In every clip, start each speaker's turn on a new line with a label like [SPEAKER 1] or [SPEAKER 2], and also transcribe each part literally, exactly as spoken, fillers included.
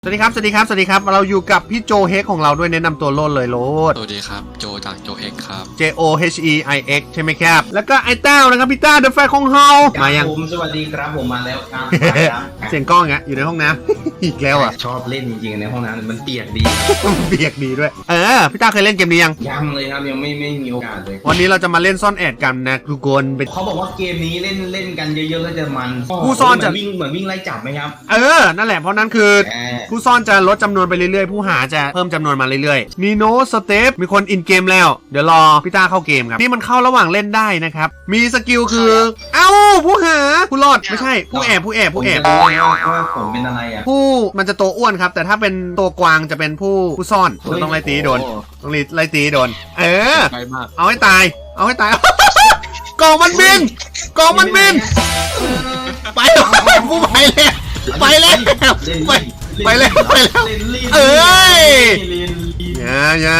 [SPEAKER 1] สวัสดีครับสวัสดีครับสวัสดีครับเราอยู่กับพี่โจเฮกของเราด้วยแนะนำตัวโลดเลยโลด
[SPEAKER 2] สวัสดีครับโจจากโจเฮกครับ
[SPEAKER 1] J O H E I X ใช่ไหมครับแล้วก็ไอ้เต้านะครับพี่ต้าเดอะแฟร์ของเฮามายัง
[SPEAKER 3] ผมสวัสดีครับผมมาแล้วครับ
[SPEAKER 1] เสียงกล้องอ่ะอยู่ในห้องน้ำ อีกแล้วอ่ะ
[SPEAKER 3] ชอบเล่นจริงๆในห้องน้ำมันเปียกดี
[SPEAKER 1] เบียกดีด้วยเออพี่ต้าเคยเล่นเกมนี้ยัง
[SPEAKER 3] ยังเลยครับยังไม่ไม่มีโอกาสเลย
[SPEAKER 1] วันนี้เราจะมาเล่นซ่อนแอบกันนะทุกคนเป็น
[SPEAKER 3] เขาบอกว่าเกมนี้เล่นเล่นกันเยอะๆก็จะมัน
[SPEAKER 1] ผู้ซ่อนจะ
[SPEAKER 3] วิ่งเหมือนวิ่งไล่จับไหมครับ
[SPEAKER 1] เออนั่นแหละเพราะนั้นคือผู้ซ่อนจะลดจำนวนไปเรื่อยๆผู้หาจะเพิ่มจำนวนมาเรื่อยๆมีโนสเตปมีคนอินเกมแล้วเดี๋ยวรอพี่ต้าเข้าเกมครับนี่มันเข้าระหว่างเล่นได้นะครับมีสกิลคือเอ้าผู้หาผู้รอดไม่ใช่ผู้แอบผู้แอบผู้แอบ
[SPEAKER 3] ว่าผมเป็นอะไรอ่ะ
[SPEAKER 1] ผู้มันจะตัวอ้วนครับแต่ถ้าเป็นตัวกวางจะเป็นผู้ผู้ซ่อนเราต้องไล่ตีโดนต้องไล่ตีโดนเออเอาให้ตายเอาให้ตาย กองมันบินกองมันบินไปผู้ไปแล้วไปแล้วไปไปแล้วไปแล้วเอ้ยอย่าอย่า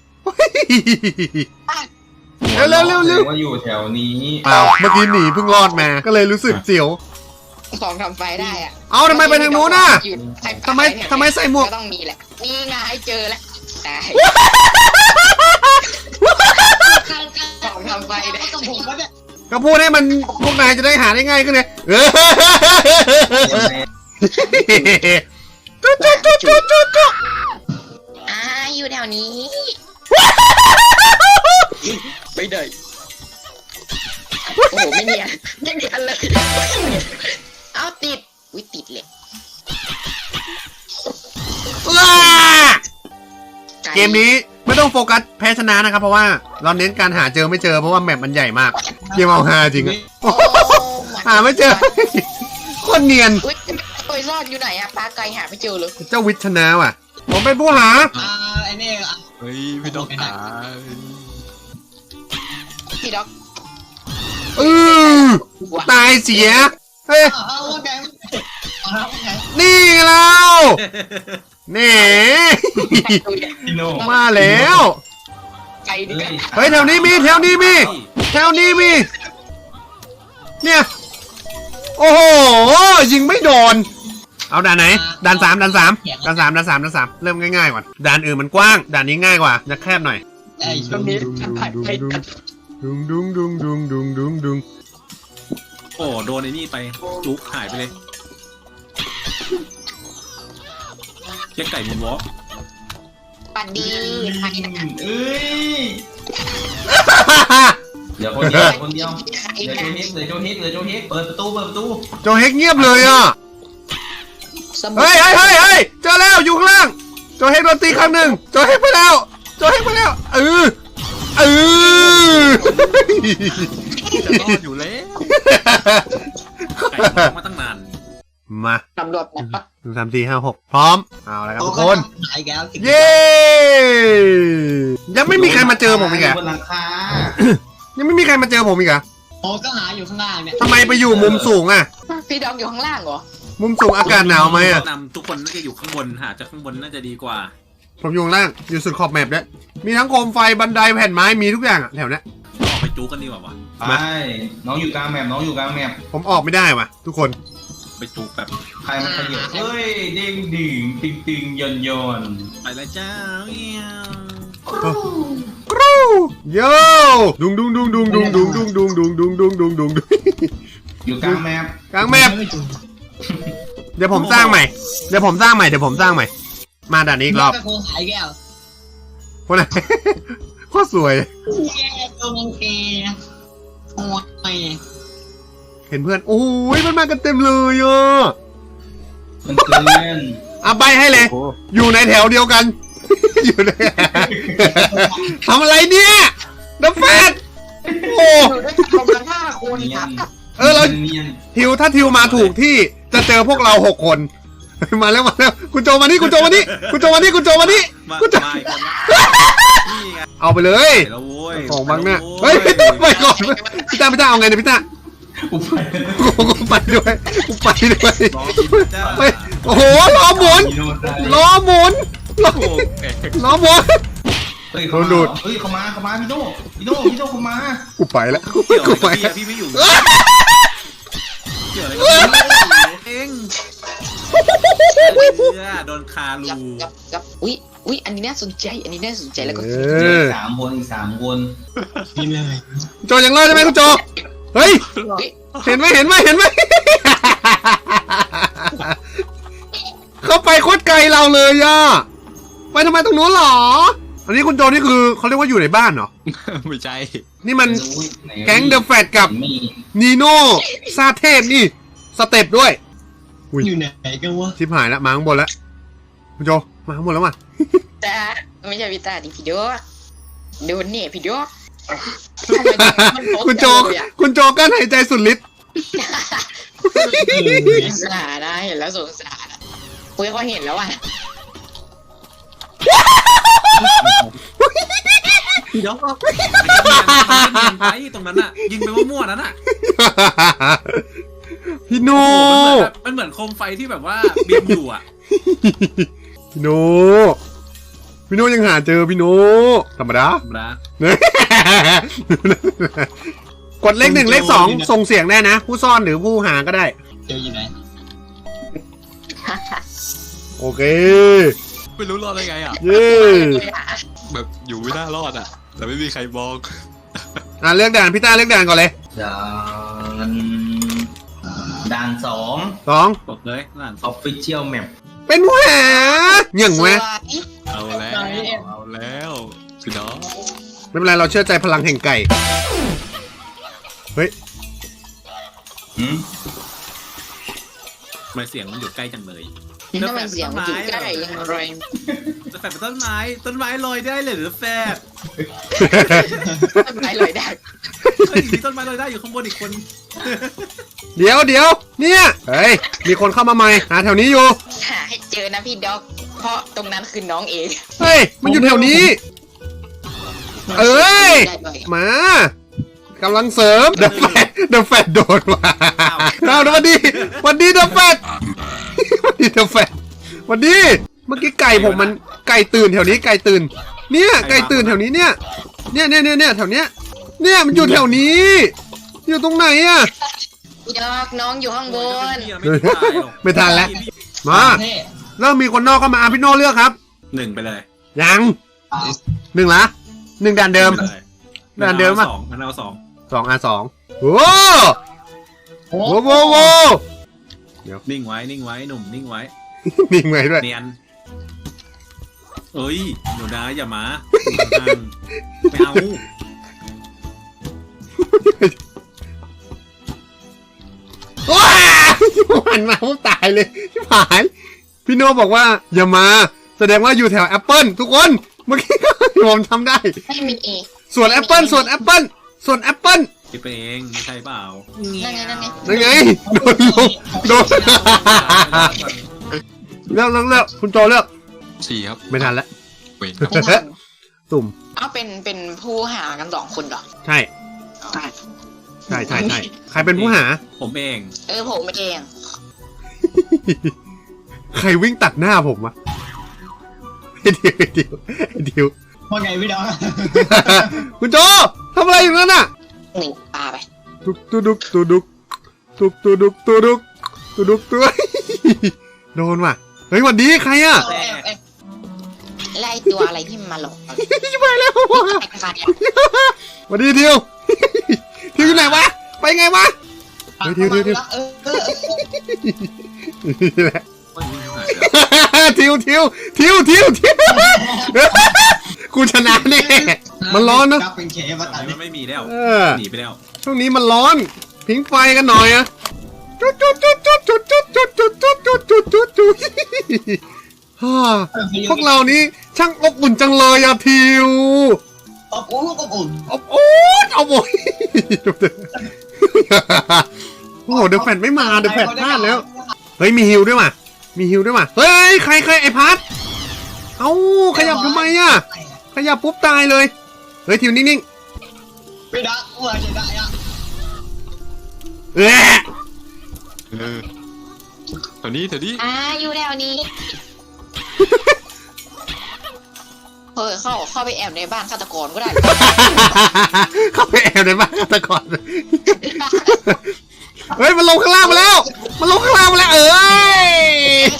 [SPEAKER 1] เร็วเร็วเร็วเร็ว
[SPEAKER 3] ว่าอยู่แถวนี้
[SPEAKER 1] เปล่าเมื่อกี้หนีเพิ่งรอดมาก็เลยรู้สึกเสียว
[SPEAKER 4] ของทำไฟได้อะ
[SPEAKER 1] เอาทำไมไปทางนู้นน่ะทำไมทำไมใส่หมวก
[SPEAKER 4] ต้องมีแหละนี่ไงเจอแล้วได้ของทำไฟได้
[SPEAKER 1] ก็พูดให้มันพวกนายจะได้หาได้ง่ายขึ้นเลยจุ๊จุ๊จุ๊จุ๊จุ๊จุ๊
[SPEAKER 4] อ่าอยู่แถวนี้ไม่ได้โอ้โหไม่เนียนไม่เนียนเลยเอาติดอุ้ยติดเลย
[SPEAKER 1] เกมนี้ไม่ต้องโฟกัสแพ้ชนะนะครับเพราะว่าเราเน้นการหาเจอไม่เจอเพราะว่าแมปมันใหญ่มากเกมเอาหาจริงหาไม่เจอคนเนียน
[SPEAKER 4] ตัวซ่อนอยู่ไหนอะปลาไก่หาไม่เจอเลย
[SPEAKER 1] เจ้าวิทชนะว่ะผมเป็นผู้หา
[SPEAKER 2] อ่าไอ้นี่เฮ้ยพี่ด็อกหา
[SPEAKER 4] พี่ด็อก
[SPEAKER 1] เออตายเสียเฮ้ยนี่แล้วนี่มาแล้วเฮ้ยแถวนี้มีแถวนี้มีแถวนี้มีเนี่ยโอ้โหยิงไม่โดนเอาด่านไหนด่านสามด่านสามด่านสามด่านสามด่านสามเริ่มง่ายๆก่อนด่านอื่นมันกว้างด่านนี้ง่ายกว่าจะแคบหน่อย
[SPEAKER 4] ตรงนี้
[SPEAKER 1] ดุงดุงดุงดุงดุงดุงดุง
[SPEAKER 2] โอ้โดนไอ้นี่ไปจุ๊กหายไปเลยแค่ไก่มุนวอล์ก
[SPEAKER 4] ปั่นดี
[SPEAKER 3] เอ้ยเดี๋ยวคนเดียวคนเดียวเดี๋ยวโจเฮกเดี๋ยวโจเฮกเดี๋ยวโจเฮกเปิดประตูเปิดประตู
[SPEAKER 1] โจเฮกเงียบเลยอ่ะเฮ้ยเฮ้ยเฮ้ยเฮ้ยเจอแล้วอยู่ข้างล่างโจเฮกโดนตีครั้งหนึ่งโจเฮกไปแล้วโจเฮกไปแล้วเออเออ
[SPEAKER 2] จะรอดอยู่แล้วไก่มาตั้งนาน
[SPEAKER 1] มา
[SPEAKER 4] ตำรวจนะ
[SPEAKER 1] หนึ่งสามสี่ห้าหกพร้อมเอาละครับทุกคนเย้ ยังไม่มีใครมาเจอผมอีกอะยังไม่มีใครมาเจอผมอีกอะ
[SPEAKER 5] โอ้ก็หาอยู่ข้างล่างเนี่ย
[SPEAKER 1] ทำไมไปอยู่มุมสูงอะ
[SPEAKER 4] พี่ดองอยู่ข้างล่างเหรอ
[SPEAKER 1] มุมสูงอากาศหนาวไหมอะ
[SPEAKER 2] นำทุกคนน่าจะอยู่ข้างบนหาจากข้างบนน่าจะดีกว่า
[SPEAKER 1] ผมอยู่ข้างล่างอยู่สุดขอบแมปด้วยมีทั้งโคมไฟบันไดแผ่นไม้มีทุกอย่างอะแถวนี้
[SPEAKER 2] ออกไปจู๊กันดีกว่าวะ
[SPEAKER 3] ไปน้องอยู่กลางแมปน้องอยู่กลางแมป
[SPEAKER 1] ผมออกไม่ได้ว่ะทุกคน
[SPEAKER 2] ไปจู๊แบบ
[SPEAKER 3] ใครมันขยับเฮ้ยเด้งดึงติงติงยนยน
[SPEAKER 2] ไปแล้วจ้าเงี้ย
[SPEAKER 1] กรูโย่ดุงดุงดุงดุงดุงดุงดุงดุงดุงดุงดุงดุงดุงดุง
[SPEAKER 3] อยู่กลางแมป
[SPEAKER 1] กลางแมปเดี๋ยวผมสร้างใหม่เดี๋ยวผมสร้างใหม่เดี๋ยวผมสร้างใหม่มาด่านนี้อีกรอบ
[SPEAKER 5] โคขายแก้ว
[SPEAKER 1] คนไหนโคตรสวย
[SPEAKER 5] ตัวมังเกนะโอ้ย
[SPEAKER 1] เห็นเพื่อนโอ้ยมันมากันเต็มเลยอ่ะ
[SPEAKER 3] มันเกิน
[SPEAKER 1] อ่ะใบให้เลยอยู่ในแถวเดียวกันอยู่ในทำอะไรเนี่ยดับแฟดโอ้เออเราทิวถ้าทิวมาถูกที่จะเจอพวกเราหกคนมาแล้วมาแล้วคุณโจมานี่คุณโจมานี่คุณโจมานี่คุณโจมานี่คุณโจเอาไปเลยของบังเนี่ยเฮ้ยพี่ต้าไปก่อนพี่ต้าพี่ต้าเอาไงเนี่ยพี่ต้า
[SPEAKER 3] กูไป
[SPEAKER 1] กูไปด้วยกูไปด้วยไปโอ้โหล้อหมุนล้อหมุนล้อล้อหมุน
[SPEAKER 3] เฮ้ยเขาดูดเฮ้ยเขามาเขามาพี่โดพี่โดพี่โดเขามา
[SPEAKER 1] กูไปแล้วกูไปพี่ไม่อยู่เกี่ยวอะไรกันเอง
[SPEAKER 2] เพื่อโดนคารู
[SPEAKER 4] กับกับกับอุ้ยอุ้ยอันนี้น่าสนใจอันนี้น่าสนใจแล้วก็
[SPEAKER 1] เอ
[SPEAKER 3] เหลือ
[SPEAKER 1] อ
[SPEAKER 3] อีกสามคนอีกสามคน
[SPEAKER 5] นี่เลย
[SPEAKER 1] โจยังรอดใช่ไหมคุณโจเฮ้ยเห็นไหมเห็นไหมเห็นไหม เขาไปโคตรไกลเราเลยอ่ะไปทำไมตรงนู้นหรออันนี้คุณโจนี่คือเขาเรียกว่าอยู่ในบ้านเหรอ
[SPEAKER 2] ไม่ใช่
[SPEAKER 1] นี่มัน
[SPEAKER 3] อุ๊ยไหน
[SPEAKER 1] แก๊งเดอะแฟตกับ
[SPEAKER 3] มี
[SPEAKER 1] นีโน่ซาเทพนี่สเต็ปด้วย
[SPEAKER 5] อยู่ไหนกันวะ
[SPEAKER 1] ชิบหายแล้วมาข้างบนแล้วคุณโจมาข้างบนแล้วว่ะ
[SPEAKER 4] ตาไม่ใช่พี่ตาดิพี่โดโดนเนี่ยพี่โด
[SPEAKER 1] คุณโจคุณโจกั้นหายใจสุดฤทธิ์
[SPEAKER 4] สงสารนะเห็นแล้วสงสารคุยเขาเห็นแล้วอ่ะ
[SPEAKER 2] เดี๋ยวไปตรงนั้นอ่ะยิงไปมั่วๆนั้นอ่ะ
[SPEAKER 1] พี่โน
[SPEAKER 2] มันเหมือนโคมไฟที่แบบว่าบินอยู่อ่ะ
[SPEAKER 1] พี่โนพี่โนยังหาเจอพี่โนธรรมดา
[SPEAKER 2] นะ
[SPEAKER 1] กดเลขหนึ่งเลขสองส่งเสียงได้นะ ผู้ซ่อนหรือผู้หาก็ได้
[SPEAKER 5] เจออยู่ไหน
[SPEAKER 1] โอเค
[SPEAKER 2] ไม่รู้รอดได้ไงอ่ะ
[SPEAKER 1] เย้
[SPEAKER 2] แบบอยู่ไม่น่ารอดอ่ะแต่ไม่มีใครบอก
[SPEAKER 1] อ่ะเลือกด่านพี่ต้าเลือกด่านก่อนเลย
[SPEAKER 3] ด่านด่านสอง
[SPEAKER 1] สอง
[SPEAKER 2] บอกเลยนั่น
[SPEAKER 3] ออฟฟิเชียลแมป
[SPEAKER 1] เป็นผู้หาอย่างไหม
[SPEAKER 2] เอาแล้วเอาแล้วพี่น้อง
[SPEAKER 1] ไม่เป็นไรเราเชื่อใจพลังแห่งไก่เฮ้ย
[SPEAKER 3] หืม
[SPEAKER 2] ทำไมเสียงมันอยู่ใกล้จังเลย
[SPEAKER 4] ทำไมเสียงมันอยู่ใกล้ยังไร
[SPEAKER 2] จะแฝดเป็นต้นไม้ต้นไม้ลอยได้เลยหรือแฝด
[SPEAKER 4] ทำไมเลยได้
[SPEAKER 2] เฮ้ยมีต้นไม้ลอยได้อยู่ข้างบนอีกคน
[SPEAKER 1] เดี๋ยวเดี๋ยวเนี่ยเฮ้ยมีคนเข้ามาใหม่หาแถวนี้อยู่
[SPEAKER 4] หาให้เจอนะพี่ด็อกเพราะตรงนั้นคือน้องเอง
[SPEAKER 1] เฮ้ยมันอยู่แถวนี้ เอ้ยมากำลังเสริมเดอะแฟดเดอะแฟดโดนว่ะเอาสวัสดีสวัสดีเดอะแฟดสวัสดีเดอะแฟดสวัสดีเมื่อกี้ไก่ผมมันไก่ตื่นแถวนี้ไก่ตื่น เนี่ยไก่ตื่นแถวนี้เนี่ยเนี่ยเนี่ยเนี่ยเนี่ยแถวเนี้ยเนี่ยมันอยู่แถวนี้ อยู่ตรงไหนอะ
[SPEAKER 4] พี่ด็อกน้องอยู่ข้างบน
[SPEAKER 1] ไม่ทันแล้วมา
[SPEAKER 5] เท่
[SPEAKER 1] เริ่มมีคนนอกเข้ามาอ่ะพี่โน่เลือกครับ
[SPEAKER 2] หนึ่งไปเลย
[SPEAKER 1] ยังหนึ่งละหนึ่งด่านเดิม ด่านเดิม
[SPEAKER 2] อ่ะ
[SPEAKER 1] อ่ะ
[SPEAKER 2] สองมันเอาสอง
[SPEAKER 1] สองอ่ะสองโอ้โหโว้โหโห
[SPEAKER 2] นิ่งไว้นิ่งไว้หนุ่มนิ่งไว้
[SPEAKER 1] นิ่งไว้ด้วย
[SPEAKER 2] เนียนเอ้ยหนูนะอย่ามาไม่เอา
[SPEAKER 1] ว้าหันมาผมตายเลยชิบหายพี่โน่บอกว่าอย่ามาแสดงว่าอยู่แถวแอปเปิลทุกคนเมื่อกี้ผมทำได้
[SPEAKER 4] ไม่มีเอ
[SPEAKER 1] ส่วนแอปเปิลส่วนแอปเปิลส่วนแอปเปิล
[SPEAKER 2] คิดไปเองไม่ใช่เปล่า
[SPEAKER 4] นั่นไงนั่นไง
[SPEAKER 1] ยังไงโดนลงโดนเลือกเลือกเลือกคุณโจเลือก
[SPEAKER 2] สี่ครับ
[SPEAKER 1] ไม่ทันแล้ว
[SPEAKER 2] เว้ย
[SPEAKER 1] ตุ่ม
[SPEAKER 4] เอาเป็นเป็นผู้หากันสองคนเหรอ
[SPEAKER 1] ใช่ใช่ใช่ใช่ใครเป็นผู้หา
[SPEAKER 2] ผมเอง
[SPEAKER 4] เออผมเอง
[SPEAKER 1] ใครวิ่งตัดหน้าผมวะไอเดียวไอเดียวไอเดียว
[SPEAKER 5] ว่าไงพี่ดอก
[SPEAKER 1] คุณโจทำอะไรอยู่นั่นน่ะ
[SPEAKER 4] หนึ่งปลาไป
[SPEAKER 1] ตุกตุดุกตุดุกตุกตุดุกตุดุกตุดุกตุดุกโดนว่ะเฮ้ยหวันดีใครอ่ะ
[SPEAKER 5] แอบแอบ
[SPEAKER 4] ไล่ตัวอะไรที่มันมาหลอกเรา
[SPEAKER 1] จะไปแล้วว่ะ
[SPEAKER 4] ไอ้ขาเนี่ย
[SPEAKER 1] หวันดีทิวทิวอยู่ไหนวะไปไงวะ เฮ้ยเดี๋ยวเดี๋ยวเดี๋ยว
[SPEAKER 5] เออเออ
[SPEAKER 1] นี่แหละ
[SPEAKER 2] ว่าอยู่ที่ไหนแล้ว
[SPEAKER 1] ทิวทิวทิวทิวทิวกูชนะแน่มันร้อนนะ
[SPEAKER 5] กลับเป็นเคมาตัด
[SPEAKER 2] มันไม่มีแล้ว
[SPEAKER 1] เออ
[SPEAKER 2] หนีไปแล้ว
[SPEAKER 1] ช่วงนี้มันร้อนพิงไฟกันหน่อยอะจุดจุดจุดจุดจุดจุดจุดจุดจุดจุดจุดจุดจุดฮ่าพวกเรานี้ช่างอบอุ่นจังเลยอะทิว
[SPEAKER 5] อบอุ่นอบอุ่น
[SPEAKER 1] อบอุ่นอบอุ่นโอ้โหเดอะแฟนไม่มาเดอะแฟนพลาดแล้วเฮ้ยมีฮิวด้วยว่ะมีฮิวด้วยว่ะเฮ้ยใครใครไอพัดเอ้าขยับทำไมอะขยับปุ๊บตายเลยเฮ้ยทิวนิ่ง
[SPEAKER 5] พี่ดอกว่าจะได้อะ
[SPEAKER 1] ๆเอ๊ะ
[SPEAKER 2] เออแถวนี้แถวนี้
[SPEAKER 4] อ่าอยู่แถวนี้เฮ้ยเข้าเข้าไปแอบในบ้านฆาตกรก็ได้
[SPEAKER 1] เข้าไปแอบในบ้านฆาตกรเฮ้ยมันลงข้างล่างมาแล้วมันลงข้างล่างมาแล้วเอ้ย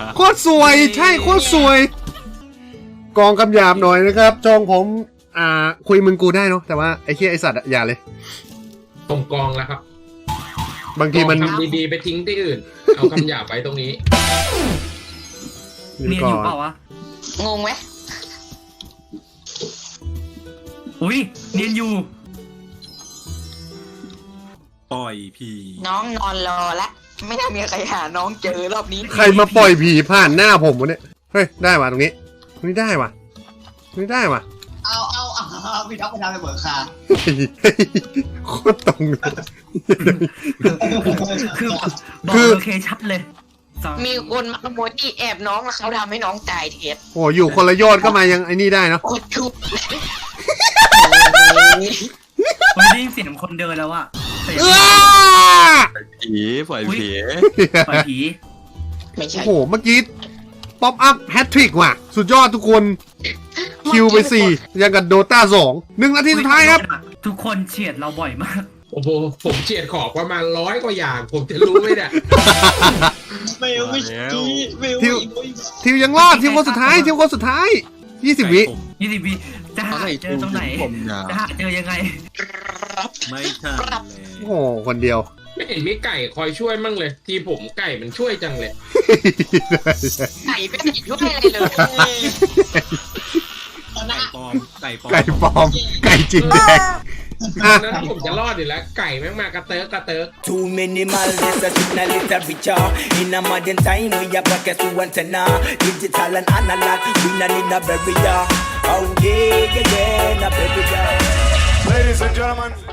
[SPEAKER 1] โคตรสวยใช่โคตรสวย กองคำหยาบหน่อยนะครับจองผมอ่าคุยมึงกูได้เนาะแต่ว่าไอ้เหี้ยไอ้สัตว์อะอย่าเลย
[SPEAKER 6] ส่งกองแล้วครับ
[SPEAKER 1] บางทีมัน
[SPEAKER 6] ทำดีๆไปทิ้งที่อื่น เอาคำหยาบไว้ตรงนี้
[SPEAKER 2] เนียนอยู่เปล่าวะ
[SPEAKER 4] งงไหม
[SPEAKER 2] อุ้ยเนียนอยู่ปล่อยผี
[SPEAKER 4] น้องนอนรอละไม่น่ามีใครหาน้องเจอรอบนี้
[SPEAKER 1] ใครมาปล่อยผีผ่านหน้าผมวะเนี่ยเฮ้ยได้ว่ะตรงนี้ตรงนี้ได้ว่ะตรงนี้ได้ว่ะ
[SPEAKER 5] เอาเอาเอาพี่ท็อปไปทำไปเบิกคา
[SPEAKER 1] โคตรตรงเลย
[SPEAKER 2] คือบอก
[SPEAKER 1] คือ
[SPEAKER 2] โลเคชั่นเลยสอง
[SPEAKER 4] มีคนมาขโมยที่แอบน้องแล้วเขาทำให้น้องตายเทียด
[SPEAKER 1] โอ้อยู่คนละยอดก็มายังไอ้นี่ได้เนาะ
[SPEAKER 4] โคตรชุบ
[SPEAKER 2] ผมได้ยินเสียงคนเดินแล้วอะเสียง
[SPEAKER 1] อ้า
[SPEAKER 7] ผีปล่อยผี
[SPEAKER 2] ปล่อยผี
[SPEAKER 4] ไม่ใช่
[SPEAKER 1] โอ้โหเมื่อกี้ป๊อปอัพแฮตทริกว่ะ สุดยอดทุกคนคิวไปสี่ยังกับโดตาสองหนึ่งนาทีสุดท้ายครับ
[SPEAKER 2] ทุกคนเฉียดเราบ่อยมาก
[SPEAKER 6] โอ้โหผมเฉียดขอบประมาณร้อยกว่าอย่าง ผมจะรู้ไหมเนี่ย
[SPEAKER 5] เบลไม่ชี้เบล
[SPEAKER 1] ทิวทิวยังรอดทิวคนสุดท้ายทิวคนสุดท้ายยี่สิบวิ
[SPEAKER 2] ยี่สิบวิจะหาเจอตรงไหน
[SPEAKER 7] ผมยาว
[SPEAKER 2] จะหาเจอยังไงไม่ใช่แล้ว
[SPEAKER 1] โอ้โหคนเดียว
[SPEAKER 6] ไม่เห็นมีไก่คอยช่วยมั่งเลย ทีผมไก่มันช่วยจังเลย
[SPEAKER 4] ไก่ไม่ได้ช่วยอะไรเลย
[SPEAKER 2] ไก่ปลอมไก่ปลอม
[SPEAKER 1] ไก่ปลอม ไก่จริงแดงอ่ะ
[SPEAKER 6] นั้นผมจะรอดอยู่แล้ว ไก่แม่งมากระเติร์กกระเติร์ก
[SPEAKER 8] Too many miles, this a signal little richer. In a modern time, we have pockets to antenna. Digital and analog, we not need a barrier. Oh yeah, yeah, yeah, a barrier.
[SPEAKER 9] Ladies and gentlemen,